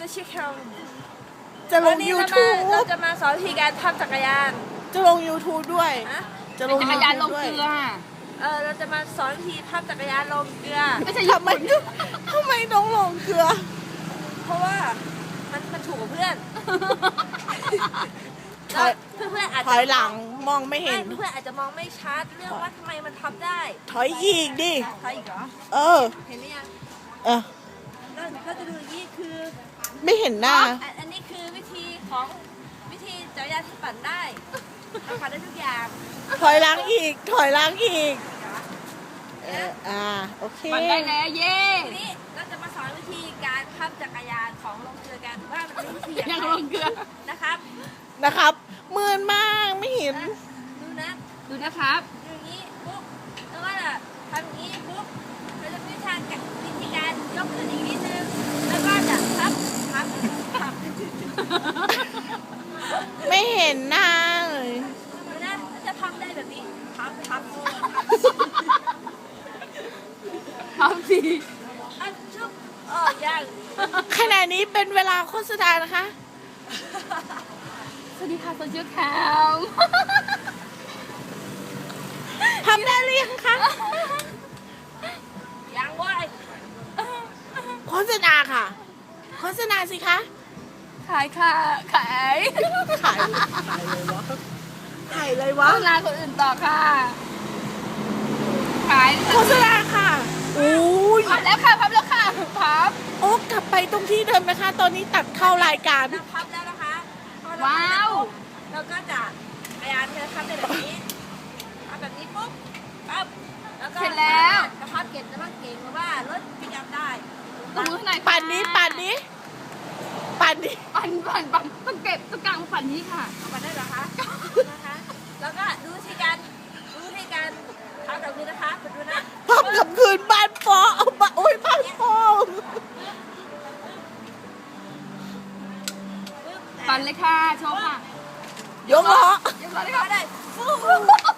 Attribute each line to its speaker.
Speaker 1: ไม่ใช่แค่
Speaker 2: จะล
Speaker 1: วั
Speaker 2: ง
Speaker 1: นนี้
Speaker 2: YouTube
Speaker 1: เราจะมาสอนวิธีการพับจักรยาน
Speaker 2: จะลง YouTube ด้วย
Speaker 1: นะ
Speaker 2: จะลง
Speaker 3: จักรยานลง
Speaker 2: ด้ว
Speaker 3: เกลือ
Speaker 1: เราจะมาสอนวิธีพับจักรยานลงเกลือ
Speaker 3: ไม่ใช่ญี่
Speaker 2: ทำไม
Speaker 3: ปุ่น
Speaker 2: ทำไมต้องลงเกลือ
Speaker 1: เพราะว่ามันถูกกับเพื่อน
Speaker 2: ถอย
Speaker 1: เพื่อนๆอาจ
Speaker 2: ถ
Speaker 1: จะ
Speaker 2: อยหลังมองไม่เห็น
Speaker 1: เพื่อนๆอาจจะมองไม่ชัดเรื่องว่าทำไมมันพับได้
Speaker 2: ถอยอีกดิ
Speaker 1: ถอยอีกเหรอ
Speaker 2: เออ
Speaker 1: เห็นไหมยัง
Speaker 2: เออ
Speaker 1: ก็จะดูอย่างนี้คือ
Speaker 2: ไม่เห็นหน้า
Speaker 1: อันนี้คือวิธีจักรยานที่ปั่นได้เราปั่นได้ทุกอย่าง
Speaker 2: ถอยหลังอีก ถอยหลังอีก โอเค
Speaker 3: มันได้แล้วเย้
Speaker 1: ทีนี้เราจะมาสอนวิธีการพับจักรยานของลงเกลือกันว่ามันเป็นวิธี
Speaker 3: ยังลงเกลือ
Speaker 1: นะครับ
Speaker 2: นะครับมืนมากไม่เห็น
Speaker 1: ดูนะ
Speaker 3: ดูนะครับ
Speaker 1: ดูอย่างนี้ปุ๊บแล้วก็จะทำอย่างนี้ปุ๊บเราจะมีวิธีการยกขึ้นอีกนิดนึงแล้วก็จะพับ
Speaker 2: ไม่เห็นหน้าเลย
Speaker 1: ดูนะจะพับได้แบบนี้พับ
Speaker 3: เอาสิ
Speaker 1: อันชุบยัง
Speaker 2: ขณะนี้เป็นเวลาโฆษณานะคะ
Speaker 3: สวัสดีค่ะโซเชียลแคม
Speaker 2: ทำได้หรือยังคะ
Speaker 1: ยังเว้ย
Speaker 2: โฆษณาค่ะ โฆษณาสิคะ
Speaker 3: ขายค่ะ ขาย
Speaker 2: ขายเลยวะขายเลยวะ
Speaker 3: โฆษณาคนอื่นต่อค่ะ ขาย
Speaker 2: โฆษณาค่ะอู้ย
Speaker 3: พับแล้วค่ะ พับแล้วค่ะ พับ
Speaker 2: โอ้กลับไปตรงที่เดิมไหมคะ ตอนนี้ตัดเข้ารายการ
Speaker 1: เราพับแล้วนะคะพอเร
Speaker 3: ว้าว
Speaker 1: เราก็จะพยายามที่จะพับได้แบบนี้พับแบบนี้ปุ๊บปั๊บแล้วก็
Speaker 3: เสร็จแล้ว
Speaker 1: จะพับเก็บจะพับเก่งเพราะว่ารถปิกอัพได้
Speaker 3: ตบมือหน่อยค่ะ
Speaker 2: ปั่นนี้ปั่นนี้ปั่นนี้
Speaker 3: ปั่นต้องเก็บต้องกลางปั่นนี้ค่ะ
Speaker 1: มาได้เหรอคะนะคะแล้วก็ดูวิธีการพับแบบนี้นะคะไปดูนะ
Speaker 2: พับกับคืนบ้านฟอเอามาโอ้ยบ้านฟอ
Speaker 1: ปึ๊บ
Speaker 3: ปั่นเลยค่ะ โชว์ค่ะ
Speaker 2: ยกล้อ
Speaker 3: เรียบร้อยเลย
Speaker 1: ก็
Speaker 3: ค่ะ
Speaker 1: ได้ฟู